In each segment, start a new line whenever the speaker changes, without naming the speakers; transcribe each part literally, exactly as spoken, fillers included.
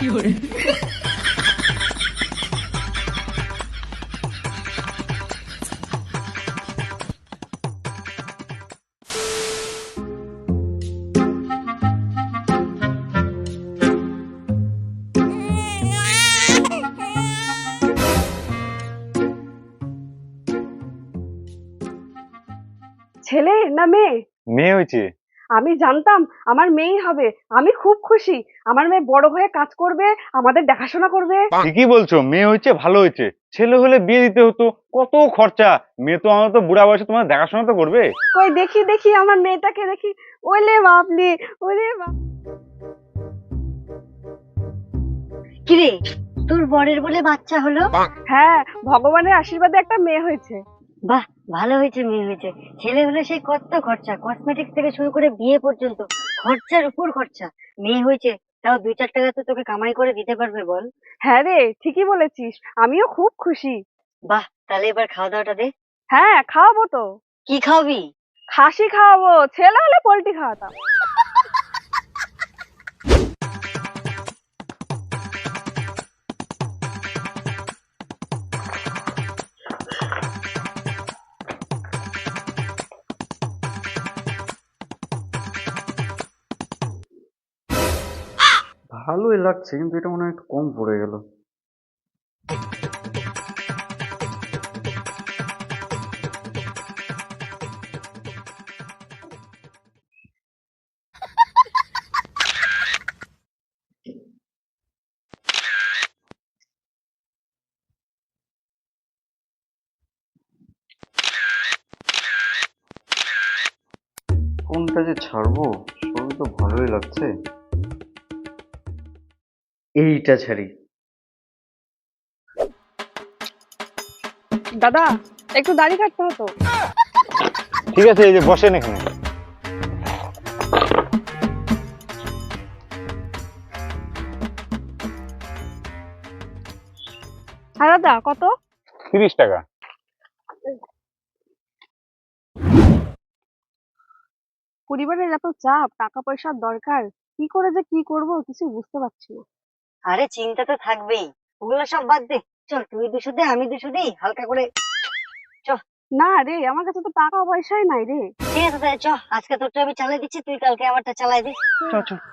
ছেলে না মেয়ে?
মেয়ে হয়েছে।
আমি জানতাম আমার মেয়েই হবে। আমি খুব খুশি। আমার মেয়ে বড় হয়ে কাজ করবে, আমাদের দেখাশোনা করবে।
ঠিকই বলছো, মেয়ে হয়েছে ভালো হয়েছে। ছেলে হলে বিয়ে দিতে হতো, কত খরচা। মেয়ে তো আমার তো বুড়া বয়সে তোমার দেখাশোনা তো করবে।
কই দেখি দেখি আমার মেয়েটাকে দেখি। ওলে বাপলি, ওলে বাপ।
কিরে, তোর বরের বলে বাচ্চা হলো?
হ্যাঁ, ভগবানের আশীর্বাদে একটা মেয়ে হয়েছে।
বাহ, ভালো হয়েছে মেয়ে হয়েছে। ছেলে হলে সেই কত খরচা, কসমেটিক্স থেকে শুরু করে বিয়ে পর্যন্ত খরচার উপর খরচা। মেয়ে হয়েছে তাও দুই চার টাকা তো তোকে কামাই করে দিতে পারবে বল।
হ্যাঁ রে, ঠিকই বলেছিস। আমিও খুব খুশি।
বাহ, তাহলে এবার খাওয়া দাওয়াটা দে।
হ্যাঁ, খাওয়াবো তো।
কি খাওয়াবি?
খাসি খাওয়াবো, ছেলে হলে পোল্ট্রি খাওয়াতাম।
ভালোই লাগছে, কিন্তু এটা মনে হয় একটু কম পড়ে গেল। কোনটা যে ছাড়বো, সবই তো ভালোই লাগছে। এইটা ছাড়ি।
দাদা, একটু দাড়ি কাটতে হতো।
ঠিক আছে, এই যে বসেন এখানে।
হ্যাঁ দাদা, কত?
তিরিশ টাকা।
পরিবারের এত চাপ, টাকা পয়সার দরকার, কি করে যে কি করব কিছু বুঝতে পারছি না।
আরে চিন্তা তো থাকবেই, ওগুলো সব বাদ দে। চল, তুই দুশো দে, আমি দুশো দিই, হালকা করে। চল।
না রে, আমার কাছে তো টাকা পয়সাই নাই রে।
ঠিক আছে তাহলে চ, আজকে তোরটা আমি চালাই দিচ্ছি, তুই কালকে আমারটা চালাই দিস।
চল চল।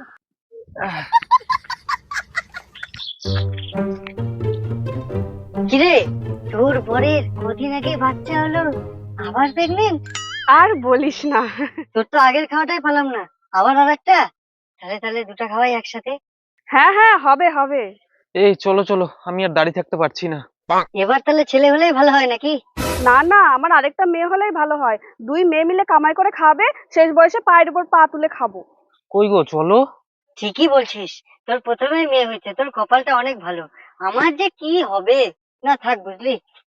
কিরে, তোর বরের কদিন আগে বাচ্চা হলো, আবার প্রেগনেন্ট?
আর বলিস না।
তোর তো আগের খাওয়াটাই পেলাম না, আবার আর একটা? তাহলে তাহলে দুটা খাওয়াই একসাথে।
হ্যাঁ হ্যাঁ, হবে হবে।
এই চলো চলো, আমি আর দাঁড়িয়ে থাকতে পারছি না।
এবার তাহলে ছেলে হলেই ভালো হয় নাকি?
না না, আমার আরেকটা মেয়ে হলেই ভালো হয়। দুই মেয়ে মিলে কামাই করে খাবে, শেষ বয়সে পায়ের উপর পা তুলে খাবো।
কই গো, চলো।
ঠিকই বলছিস, তোর প্রথমেই মেয়ে হয়েছে, তোর কপালটা অনেক ভালো। আমার যে কি হবে, না থাক বুঝলি।